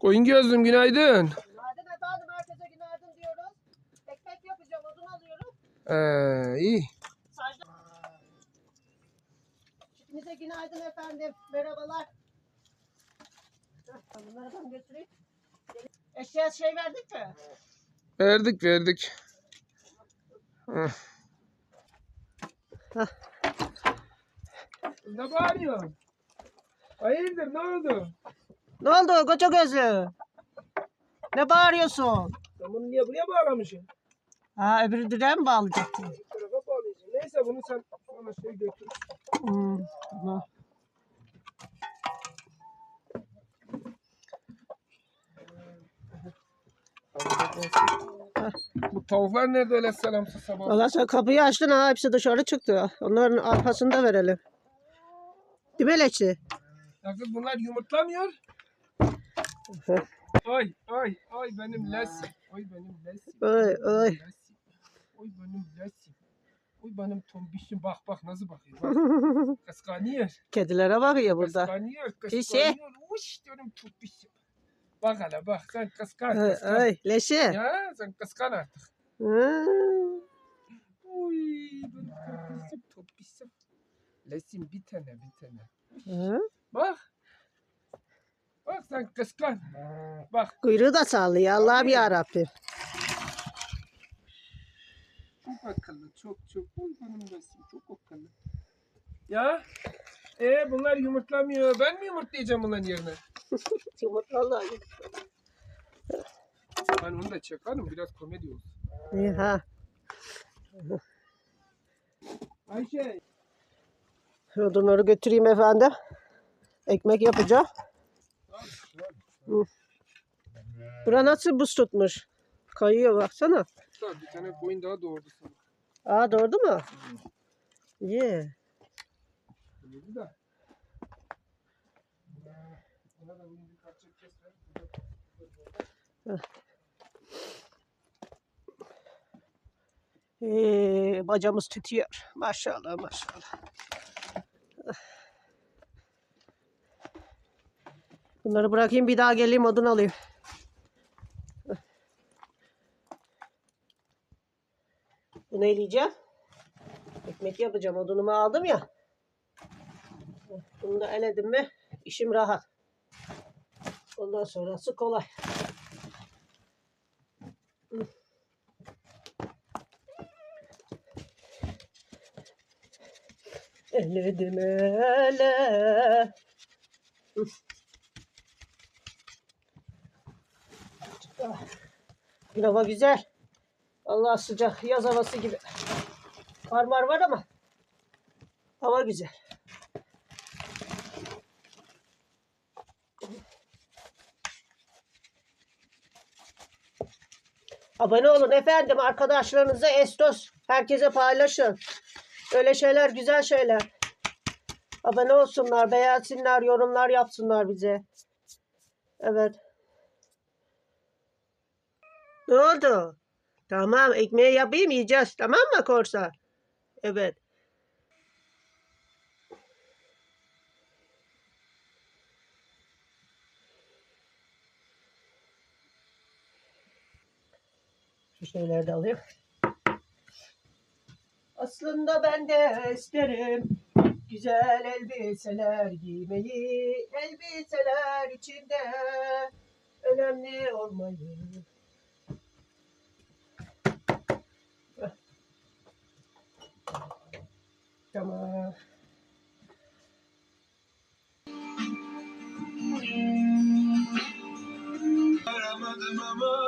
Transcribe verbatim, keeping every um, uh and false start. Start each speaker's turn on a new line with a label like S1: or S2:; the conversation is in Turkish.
S1: Koyun gözlüm günaydın.
S2: Günaydın efendim, herkese günaydın diyoruz. Ekmek yapacağım, odun alıyorum.
S1: Ee, iyi.
S2: Çiftimize günaydın efendim, merhabalar. Heh, bunları ben götüreyim. Eşeğe şey verdik mi?
S1: Verdik verdik. Heh. Ne bağırıyorsun? Hayırdır ne oldu?
S2: Ne oldu koca gözlü? Ne bağırıyorsun?
S1: Sen bunu niye buraya bağlamışsın?
S2: Ha, öbürü direğe mi bağlayacaktın?
S1: Bir tarafa bağlayacaksın. Neyse bunu sen sonra şey götür.
S2: Hmm, tamam.
S1: Bu tavuklar nerede öyle selamsız sabah?
S2: Valla sen kapıyı açtın ha, hepsi dışarı çıktı. Onların arkasını da verelim. Değil mi Leçi?
S1: Ya kız bunlar yumurtlamıyor. Ay ay ay benim lesim. Ay benim lesim.
S2: Ay ay.
S1: Lesim. Oy benim lesim. Oy benim tombişim bak bak nasıl bakıyor. Bak. Kıskanıyor.
S2: Kedilere bakıyor burada.
S1: Kıskanıyor.
S2: Pişi.
S1: Kıskanıyor. Uş diyorum tombişim. Bak hele bak sen kıskan.
S2: Ay
S1: kıskan.
S2: ay Leçi.
S1: Ya sen kıskan artık.
S2: Hmm.
S1: Uy benim tombişim tombişim. Lesim bir tane bir tane.
S2: Hı?
S1: Bak. Bak sen kıskan. Bak.
S2: Kuyruğu da sallıyor Allah'ım yarabbim.
S1: Çok akıllı, çok çok. Oy benim lesim çok akıllı. Ya, e bunlar yumurtlamıyor. Ben mi yumurtlayacağım bunların yerine?
S2: Yumurtalar.
S1: Ben onu da çakarım, biraz komedi olsun.
S2: İyi ha.
S1: Ayşe.
S2: Odunları götüreyim efendim. Ekmek yapacağım. Hı. Bura nasıl buz tutmuş? Kayıyor baksana.
S1: Bir tane koyun daha doğurdu sana.
S2: Aa doğru mu? İyi.
S1: Doğurdu da. Ona da bunun bir parça kes ver.
S2: Ee, bacamız tütüyor. Maşallah maşallah. Bunları bırakayım bir daha geleyim odun alayım. Bunu eleyeceğim. Ekmek yapacağım. Odunumu aldım ya. Bunu da eledim mi işim rahat. Ondan sonrası kolay. Eledim ele. Gün hava güzel. Allah sıcak. Yaz havası gibi. Kar mar var ama hava güzel. Abone olun efendim. Arkadaşlarınıza estos. Herkese paylaşın. Öyle şeyler güzel şeyler. Abone olsunlar, beğensinler, yorumlar yapsınlar bize. Evet. Ne oldu? Tamam, ekmeği yapayım yiyeceğiz. Tamam mı Korsa? Evet. Şu şeyleri de alayım. Aslında ben de isterim güzel elbiseler giymeyi, elbiseler içinde önemli olmayı. Tamam.
S1: Aramadım ama